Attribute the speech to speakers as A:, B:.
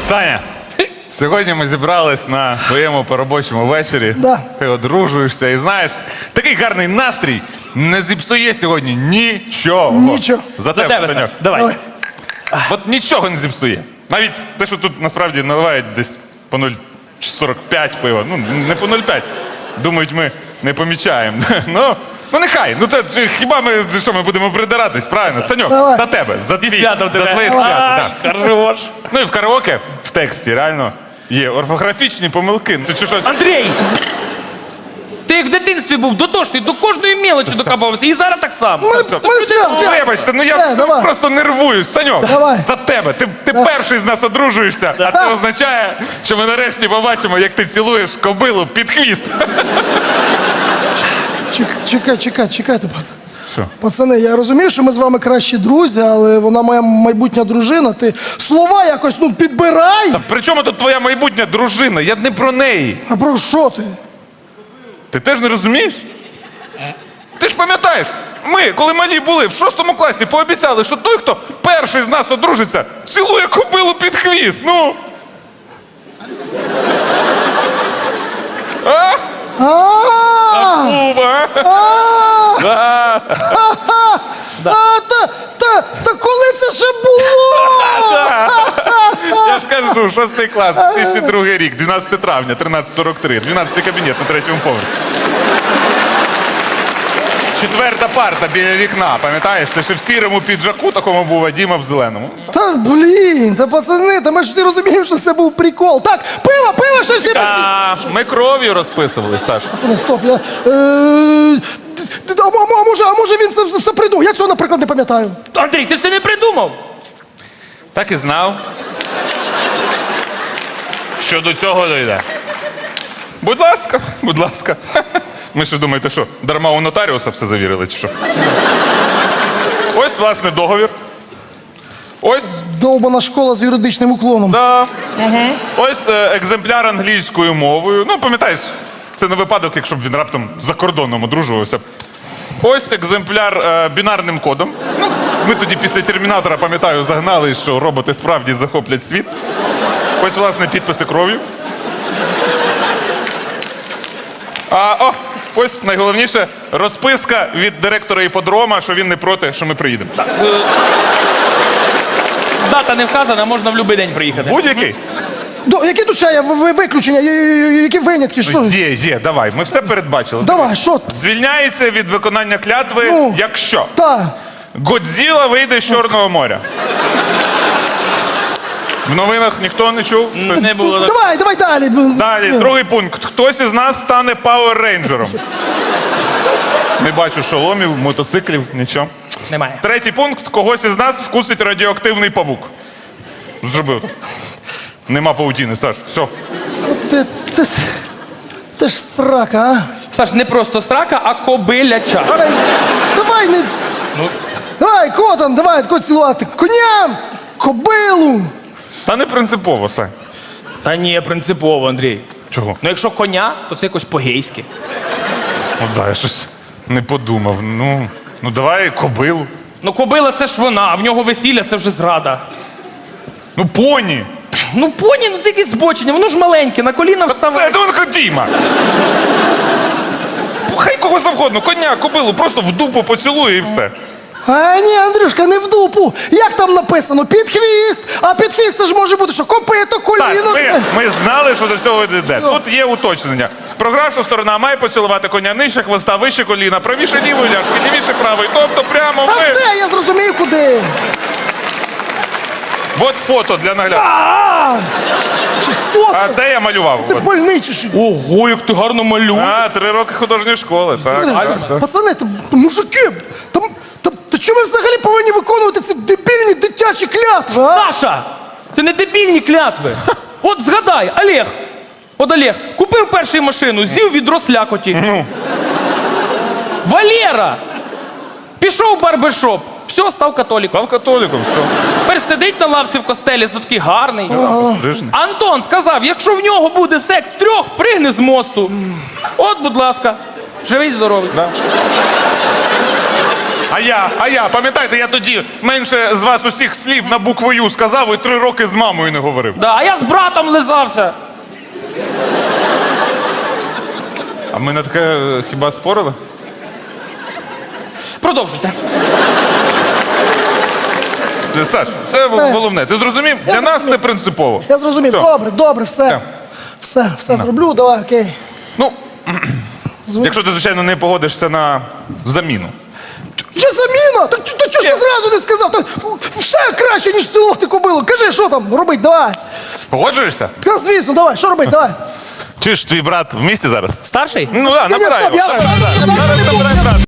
A: Саня, сьогодні ми зібрались на твоєму поробочому вечорі.
B: Да.
A: Ти одружуєшся і знаєш, такий гарний настрій не зіпсує сьогодні нічого.
B: Нічого.
A: За
C: За тебе,
A: тебе,
C: Сань.
A: Таньок.
C: Давай.
A: От нічого не зіпсує. Навіть те, що тут насправді наливають десь по 0,45 пива. Ну, не по 0,5. Думають, ми не помічаємо. Ну нехай. Ну це хіба ми що ми будемо придиратись, правильно? Саньок,
B: Давай.
A: за тебе, за
C: Зі святом тебе.
A: твоє свято. Да.
C: Хорош.
A: Ну і в караоке в тексті реально є орфографічні помилки. Ти чи що?
C: Андрій! Ти як в дитинстві був дотошний, до кожної мелочі докапався. І зараз так само.
B: Ми свято.
A: Вибачте, ну я
B: давай.
A: просто нервуюсь. Саньок,
B: Давай.
A: за тебе. Ти перший з нас одружуєшся, а це означає, що ми нарешті побачимо, як ти цілуєш кобилу під хвіст.
B: Чекайте,
A: Що?
B: пацани, я розумію, що ми з вами кращі друзі, але вона моя майбутня дружина. Ти слова якось, підбирай.
A: Та при чому тут твоя майбутня дружина? Я не про неї.
B: А про що ти?
A: Ти теж не розумієш? Ти ж пам'ятаєш, ми, коли малі були в 6 класі, пообіцяли, що той, хто перший з нас одружиться, цілує кобилу під хвіст. Ну. А? Куба.
B: Та коли це ще було?
A: Я ж кажу, 6 клас, 2002 рік, 12 травня, 13:43, 12 кабінет на 3-му поверсі. 4-та парта біля вікна, пам'ятаєш? Ти ще в сірому піджаку такому був, а Діма в зеленому.
B: Та пацани, ми ж всі розуміємо, що це був прикол. Так, пиво, що всі...
A: Ми кров'ю розписували, Саш.
B: Пацани, стоп, А може він це все придумав? Я цього, наприклад, не пам'ятаю.
C: Андрій, ти ж це не придумав.
A: Так і знав. Що до цього дійде. Будь ласка, будь ласка. Ми що думаєте, що, дарма у нотаріуса все завірили, чи що? Ось, власне, договір. Ось,
B: Довбана школа з юридичним уклоном.
A: да. Ось екземпляр англійською мовою. Ну, пам'ятаєш, це не випадок, якщо б він раптом за кордоном одружувався. Ось екземпляр бінарним кодом. Ну, ми тоді після Термінатора, пам'ятаю, загнали, що роботи справді захоплять світ. Ось, власне, підписи кров'ю. Ось найголовніше розписка від директора іпподрома, що він не проти, що ми приїдемо.
C: Дата не вказана, можна в будь-який день приїхати.
A: Будь-який?
B: Які тут ще є виключення, які винятки, що?
A: Є, давай, ми все передбачили.
B: Давай, що?
A: Звільняється від виконання клятви,
B: Ну.
A: якщо
B: Та.
A: Годзіла вийде з Чорного моря. В новинах ніхто не чув?
C: Не було.
B: Давай далі.
A: Далі, другий пункт. Хтось із нас стане пауер-рейнджером. Не бачу шоломів, мотоциклів, нічого.
C: Немає.
A: Третій пункт. Когось із нас вкусить радіоактивний павук. Зробив так. Нема паутіни, Саш. Все.
B: Ти ж срака, а?
C: Саш, не просто срака, а кобиляча.
B: Давай, не... Давай, кого там, давай, кого цілувати? Коням, кобилу.
A: Та не принципово, Сань.
C: Та ні, принципово, Андрій.
A: Чого?
C: Ну якщо коня, то це якось по-гейськи.
A: Ну да, я щось не подумав. Ну давай кобилу.
C: Ну кобила це ж вона, а в нього весілля це вже зрада.
A: Ну поні.
C: Ну поні, ну це якесь збочення, воно ж маленьке, на коліна
A: Це
C: вставає.
A: Донка Діма. Хай кого завгодно, коня, кобилу, просто в дупу поцілує і все.
B: А ні, Андрюшка, не в дупу. Як там написано? Під хвіст. А під хвіст це ж може бути, що копито, коліно.
A: Так, ми знали, що до цього йде. Тут є уточнення. Програвша сторона має поцілувати коня нижче хвоста, вище коліна, правіше лівої ляшки, лівіше правої. Тобто прямо
B: А
A: ми.
B: все, я зрозумів, куди.
A: От фото для нагляду.
B: Чи фото?
A: А це я малював.
B: Ти
A: От.
B: больний чи що?
C: Ого, як ти гарно малюєш.
A: 3 роки художньої школи. Так.
B: Пацани, мужики, та чому ви взагалі повинні виконувати ці дебільні дитячі клятви, а?
C: Наша! Це не дебільні клятви. От згадай, Олег. От Олег купив першу машину, з'їв відро слякоті. Валера пішов в барбершоп, все, став католиком.
A: Став католиком, все.
C: Тепер сидить на лавці в костелі, такий гарний.
A: Пострижений.
C: Антон сказав, якщо в нього буде секс втрьох, пригни з мосту. От, будь ласка, живий, здоровий.
A: Да. А я, пам'ятаєте, я тоді менше з вас усіх слів на букву Ю сказав і 3 роки з мамою не говорив.
C: Да, а я з братом лизався.
A: А ми на таке хіба спорили?
C: Продовжуйте.
A: Саш, це головне. Ти зрозумів? Для нас це принципово.
B: Я зрозумів.
A: Все.
B: Добре, все. Все зроблю, давай, окей.
A: Ну, якщо ти, звичайно, не погодишся на заміну.
B: Є заміна? Так чого ж ти зразу не сказав? Та все краще, ніж цілувати кобилу. Кажи, що там робить, давай.
A: Погоджуєшся?
B: Та звісно, давай, що робить, давай.
A: Чи ж твій брат в місті зараз?
C: Старший?
A: Ну так, набирай його.
B: Я-
A: Зараз набирай брата.